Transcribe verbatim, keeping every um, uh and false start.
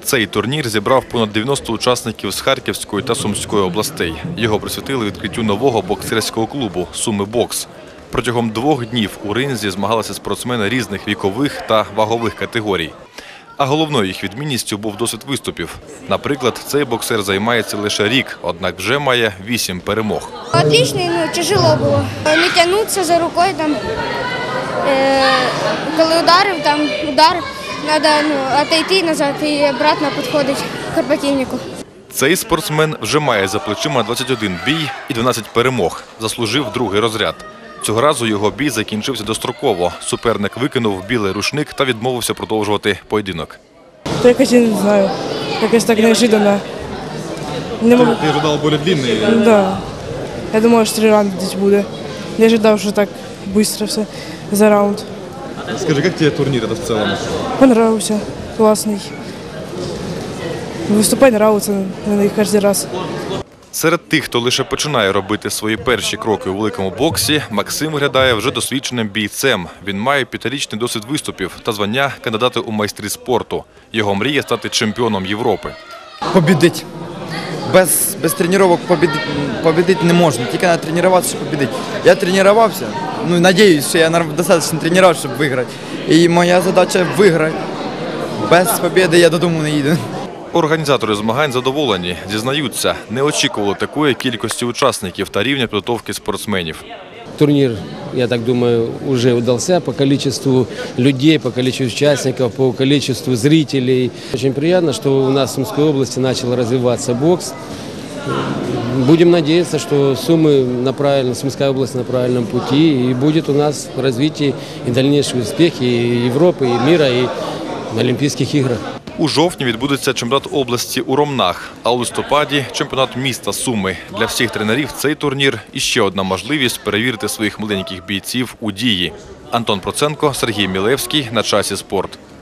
Цей турнір зібрав понад дев'яносто учасників з Харківської та Сумської областей. Його присвятили відкриттю нового боксерського клубу «Суми Бокс». Протягом двох днів у ринзі змагалися спортсмени різних вікових та вагових категорій. А головною їх відмінністю був досвід виступів. Наприклад, цей боксер займається лише рік, однак вже має вісім перемог. Отлично, ну, тяжело було. Не тягнутися за рукою, там, е, коли ударив, там удар, треба ну, отойти назад і обратно підходити к противнику. Цей спортсмен вже має за плечима двадцять один бій і дванадцять перемог. Заслужив другий розряд. Цього разу його бій закінчився достроково. Суперник викинув білий рушник та відмовився продовжувати поєдинок. Та якось я не знаю, якось так неожиданно. Не можу... Ти ожидав більш длинний? Так. Да. Я думала, що три раунди десь буде. Я ожидав, що так швидко все за раунд. Скажи, як тобі турнір в цілому? Понравився, класний. Виступати подобається на них кожен раз. Серед тих, хто лише починає робити свої перші кроки у великому боксі, Максим виглядає вже досвідченим бійцем. Він має п'ятирічний досвід виступів та звання кандидата у майстри спорту. Його мріє стати чемпіоном Європи. Побідити. Без, без тренувань побідити, побідити не можна, тільки треба тренуватися, щоб побідити. Я тренувався, ну, сподіваюся, що я достатньо тренувався, щоб виграти. І моя задача – виграти. Без побіди я додому не їду. Організатори змагань задоволені. Зізнаються, не очікували такої кількості учасників та рівня підготовки спортсменів. Турнир, я так думаю, уже удался по количеству людей, по количеству участников, по количеству зрителей. Очень приятно, что у нас в Сумской области начал развиваться бокс. Будем надеяться, что Сумы на правильном, Сумская область на правильном пути, и будет у нас в развитии и дальнейшие успехи и Европы, и мира, и на Олимпийских играх. У жовтні відбудеться чемпіонат області у Ромнах, а у листопаді – чемпіонат міста Суми. Для всіх тренерів цей турнір – іще одна можливість перевірити своїх маленьких бійців у дії. Антон Проценко, Сергій Мілевський. На часі спорт.